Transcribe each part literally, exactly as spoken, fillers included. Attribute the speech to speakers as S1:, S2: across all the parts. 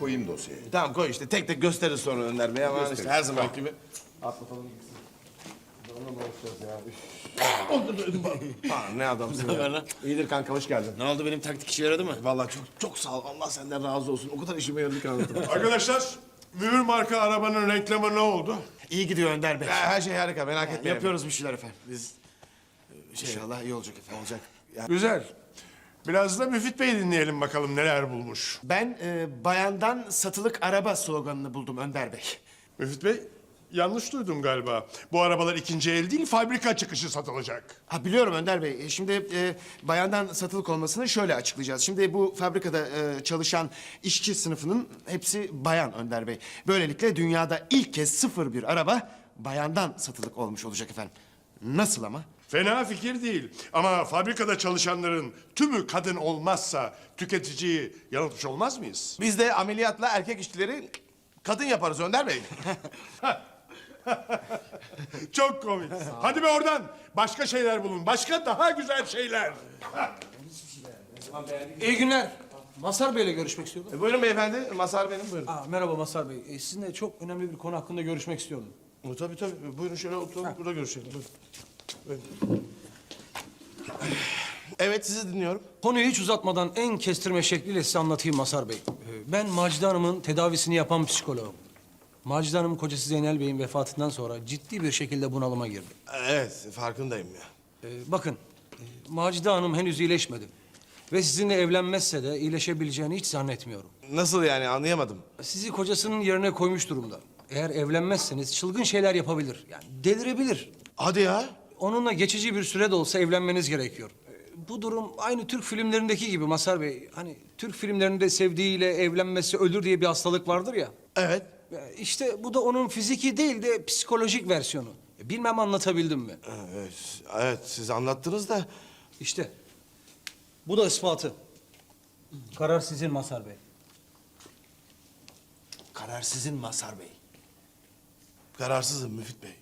S1: koyayım dosyayı.
S2: Tamam koy işte tek tek gösterir sonra Önder Bey ama işte her zaman gibi. Atlatalım gitsin. Onunla mı uğraşacağız ya? Ha, ne adamsın ya. İyidir kanka hoş geldin.
S3: Ne oldu, benim taktik işe yaradı mı?
S2: Vallahi çok çok sağ ol. Allah senden razı olsun. O kadar işime yaradı ki anlatamam.
S4: Arkadaşlar, mühür marka arabanın reklamı ne oldu?
S3: İyi gidiyor Önder Bey.
S2: Ya, her şey harika merak etmeyin.
S3: Yapıyoruz bir şeyler efendim.
S2: Biz şey, inşallah iyi olacak efendim. Olacak. Ya,
S4: Güzel. Biraz da Müfit Bey dinleyelim bakalım neler bulmuş.
S3: Ben e, bayandan satılık araba sloganını buldum Önder Bey.
S4: Müfit Bey, yanlış duydum galiba. Bu arabalar ikinci el değil, fabrika çıkışı satılacak.
S3: Ha biliyorum Önder Bey. E, Şimdi e, bayandan satılık olmasını şöyle açıklayacağız. Şimdi bu fabrikada e, çalışan işçi sınıfının hepsi bayan Önder Bey. Böylelikle dünyada ilk kez sıfır bir araba bayandan satılık olmuş olacak efendim. Nasıl ama?
S4: Fena fikir değil. Ama fabrikada çalışanların tümü kadın olmazsa tüketiciyi yanıltmış olmaz mıyız?
S2: biz de ameliyatla erkek işçileri kadın yaparız Önder Bey.
S4: Çok komik. Hadi be oradan. Başka şeyler bulun. Başka daha güzel şeyler.
S5: İyi günler. Mazhar Bey'le görüşmek istiyordum.
S2: E, buyurun beyefendi. Mazhar benim buyurun.
S5: Aa, merhaba Mazhar Bey. E, sizinle çok önemli bir konu hakkında görüşmek istiyordum.
S2: E, tabii tabii. Buyurun şöyle oturalım. Burada görüşelim. Buyurun. Buyurun. Evet sizi dinliyorum.
S5: Konuyu hiç uzatmadan en kestirme şekliyle size anlatayım Mazhar Bey. Ee, Ben Macide Hanım'ın tedavisini yapan psikoloğum. Macide Hanım'ın kocası Zeynel Bey'in vefatından sonra ciddi bir şekilde bunalıma girdi.
S2: Evet farkındayım ya.
S5: Ee, bakın, e, Macide Hanım henüz iyileşmedi. Ve sizinle evlenmezse de iyileşebileceğini hiç zannetmiyorum.
S2: Nasıl yani anlayamadım.
S5: Sizi kocasının yerine koymuş durumda. Eğer evlenmezseniz çılgın şeyler yapabilir. Yani delirebilir.
S2: Hadi ya.
S5: Onunla geçici bir süre de olsa evlenmeniz gerekiyor. Ee, Bu durum aynı Türk filmlerindeki gibi Mazhar Bey. Hani Türk filmlerinde sevdiğiyle evlenmesi ölür diye bir hastalık vardır ya.
S2: Evet.
S5: Ee, İşte bu da onun fiziki değil de psikolojik versiyonu. E, Bilmem anlatabildim mi?
S2: Evet, evet siz anlattınız da.
S5: İşte bu da ispatı. Karar sizin Mazhar Bey.
S2: Karar sizin Mazhar Bey. Kararsızım Müfit Bey.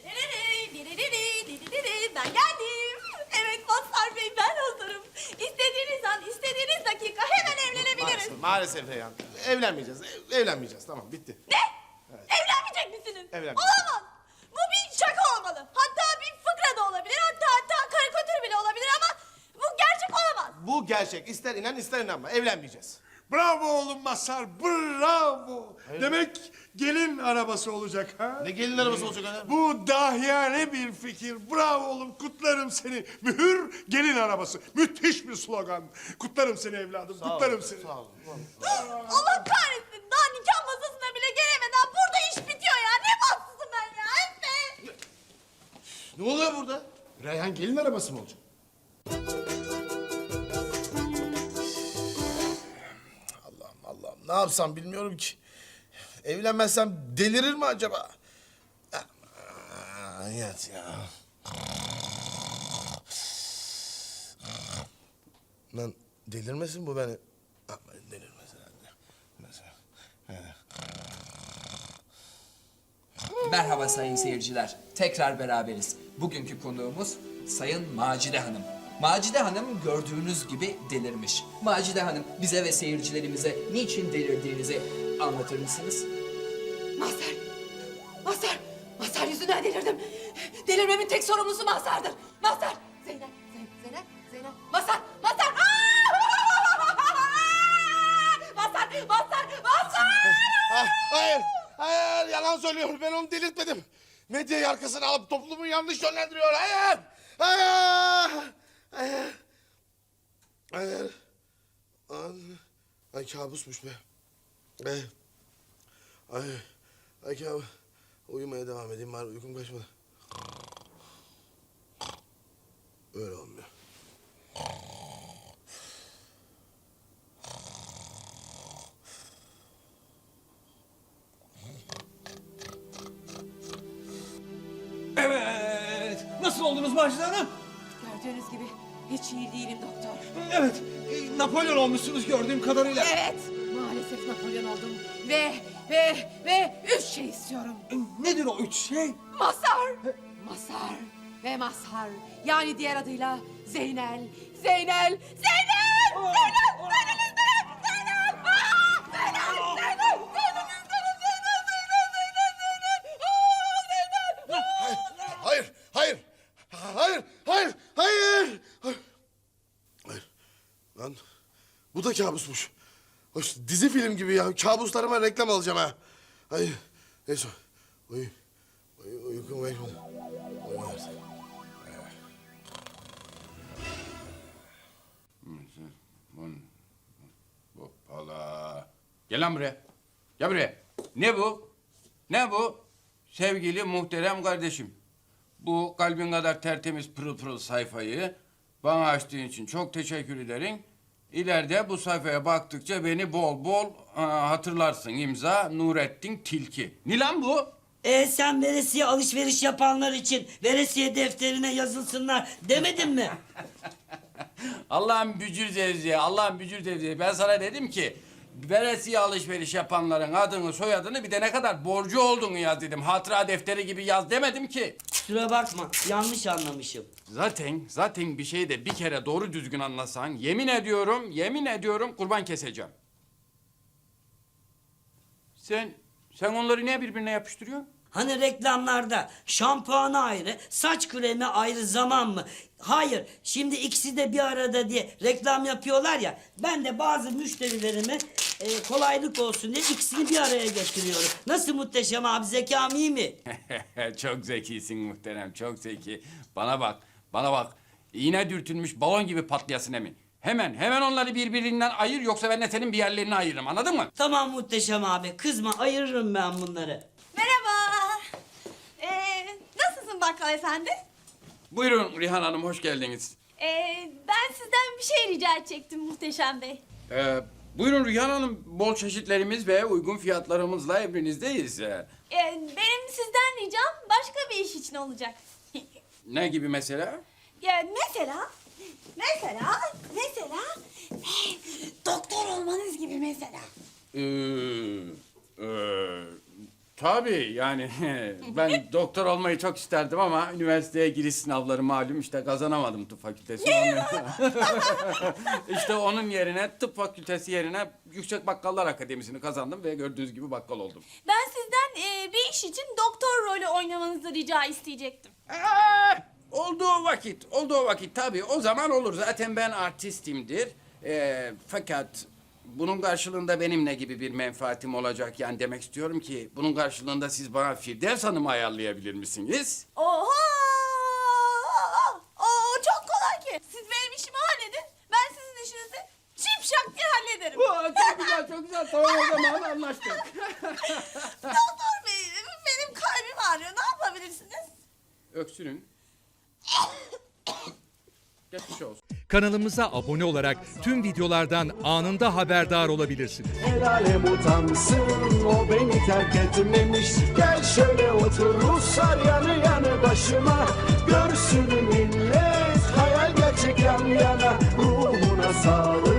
S6: Ben geldim. Evet Mazhar Bey ben hazırım. İstediğiniz an, istediğiniz dakika hemen evlenebiliriz.
S2: Maalesef, maalesef Reyhan. Evlenmeyeceğiz. ev- Evlenmeyeceğiz. Tamam bitti.
S6: Ne? Evlenmeyecek misiniz?
S2: Evlenmeyeceğiz.
S6: Olamaz. Bu bir şaka olmalı. Hatta bir fıkra da olabilir. Hatta hatta karikatür bile olabilir ama bu gerçek olamaz.
S2: Bu gerçek. İster inan ister inanma. Evlenmeyeceğiz.
S4: Bravo oğlum Mazhar, bravo. Demek gelin arabası olacak ha?
S2: Ne gelin arabası olacak öyle?
S4: Bu dahiyane bir fikir. Bravo oğlum, kutlarım seni. Mühür gelin arabası. Müthiş bir slogan. Kutlarım seni evladım, kutlarım seni.
S2: Sağ olun.
S6: Allah kahretsin. Daha nikah masasına bile gelemeden burada iş bitiyor ya. Ne bahtsızım ben ya. Efe.
S2: Ne oluyor burada?
S4: Reyhan gelin arabası mı olacak?
S2: Allah'ım Allah'ım ne yapsam bilmiyorum ki. Evlenmezsem delirir mi acaba? Aman yat ya. Lan delirmesin bu beni. Aman delirmesin anne. Mesela.
S7: Merhaba sayın seyirciler. Tekrar beraberiz. Bugünkü konuğumuz Sayın Macide Hanım. Macide Hanım gördüğünüz gibi delirmiş. Macide Hanım bize ve seyircilerimize niçin delirdiğinizi anlatır mısınız?
S6: Mazhar. Mazhar. Mazhar yüzünden delirdim. Delirmemin tek sorumlusu Mazhar'dır. Mazhar. Zeynep. Zeynep. Zeynep. Zeynep. Mazhar. Mazhar. Aa! Mazhar. Mazhar. Mazhar.
S2: Ah, hayır, hayır yalan söylüyor. Ben onu delirtmedim. Medyayı arkasına alıp toplumu yanlış yönlendiriyor. Hayır, hayır, hayır, hayır. Ay, ay kabusmuş be. Ay, ay, ay kabus. Uyumaya devam edeyim bari uykum kaçmadı. Öyle olmuyor.
S5: Evet. Nasıl oldunuz Macide Hanım?
S6: Gördüğünüz gibi hiç iyi değilim doktor.
S5: Evet. e, Napolyon olmuşsunuz gördüğüm kadarıyla.
S6: Evet. Maalesef Napolyon oldum. Ve ve ve üç şey istiyorum.
S5: E, Nedir o üç şey?
S6: Mazhar. Mazhar ve Mazhar. Yani diğer adıyla Zeynel. Zeynel. Zeynel. Zeynel. Zeynel isterim. Zeynel. Aa, Zeynel. Zeynel.
S2: Bu da kabusmuş. Hoş, dizi film gibi ya. Kabuslarıma reklam alacağım ha. Ay, neyse. Uy, uy, uykum var. Uyum artık.
S1: Hoppala. Gel lan buraya. Gel buraya. Ne bu? Ne bu? Sevgili muhterem kardeşim. Bu kalbin kadar tertemiz pırıl pırıl sayfayı bana açtığın için çok teşekkür ederim. İleride bu sayfaya baktıkça beni bol bol aa, hatırlarsın. İmza Nurettin Tilki. Ne lan bu?
S8: E sen veresiye alışveriş yapanlar için veresiye defterine yazılsınlar demedin mi?
S1: Allah'ın bücür zevziye, Allah'ın bücür zevziye. Ben sana dedim ki veresiye alışveriş yapanların adını, soyadını bir de ne kadar borcu olduğunu yaz dedim. Hatıra defteri gibi yaz demedim ki.
S8: Kusura bakma, yanlış anlamışım.
S1: Zaten, zaten bir şeyi de bir kere doğru düzgün anlasan yemin ediyorum, yemin ediyorum kurban keseceğim. Sen, sen onları niye birbirine yapıştırıyorsun?
S8: Hani reklamlarda şampuanı ayrı, saç kremi ayrı zaman mı? Hayır, şimdi ikisi de bir arada diye reklam yapıyorlar ya. Ben de bazı müşterilerime e, kolaylık olsun diye ikisini bir araya getiriyorum. Nasıl Muhteşem abi, zekam iyi mi?
S1: Çok zekisin muhterem, çok zeki. Bana bak, bana bak. İğne dürtülmüş balon gibi patlayasın emin. Hemen, hemen onları birbirinden ayır yoksa ben de senin bir yerlerini ayırırım, anladın mı?
S8: Tamam Muhteşem abi, kızma, ayırırım ben bunları.
S9: Merhaba. Ee, nasılsın bakkal efendi?
S1: Buyurun Rihan Hanım, hoş geldiniz.
S9: Ee, ben sizden bir şey rica edecektim Muhteşem Bey.
S1: Ee, buyurun Rihan Hanım, bol çeşitlerimiz ve uygun fiyatlarımızla emrinizdeyiz. Ee,
S9: Ee, benim sizden ricam başka bir iş için olacak.
S1: ne gibi mesela?
S9: Ya mesela, mesela, mesela eh, doktor olmanız gibi mesela.
S1: Ee, e, tabii yani ben doktor olmayı çok isterdim ama üniversiteye giriş sınavları malum işte kazanamadım tıp fakültesi. İşte onun yerine tıp fakültesi yerine Yüksek Bakkallar Akademisi'ni kazandım ve gördüğünüz gibi bakkal oldum.
S9: Ben sizden eh, bir iş için doktor rolü oynamanızı rica isteyecektim.
S1: Ee, olduğu vakit, olduğu vakit tabii o zaman olur. Zaten ben artistimdir. Ee, fakat bunun karşılığında benim ne gibi bir menfaatim olacak? Yani demek istiyorum ki bunun karşılığında siz bana Firdevs Hanım'ı ayarlayabilir misiniz?
S9: Oha! Oo, çok kolay ki. Siz benim işimi halledin. Ben sizin işinizi şipşak diye hallederim.
S1: Aa, çok güzel, çok güzel. Tamam o zaman anlaştık.
S9: Doktor bey, benim kalbim ağrıyor. Ne yapabilirsiniz?
S1: Öksürün. Geçmiş olsun.
S10: Kanalımıza abone olarak tüm videolardan anında haberdar olabilirsiniz.
S11: El alem utansın, o beni terk etmemiş. Gel şöyle otur Ruslar yanı yanı başıma. Görsün millet hayal gerçek yan yana. Ruhuna sağlık.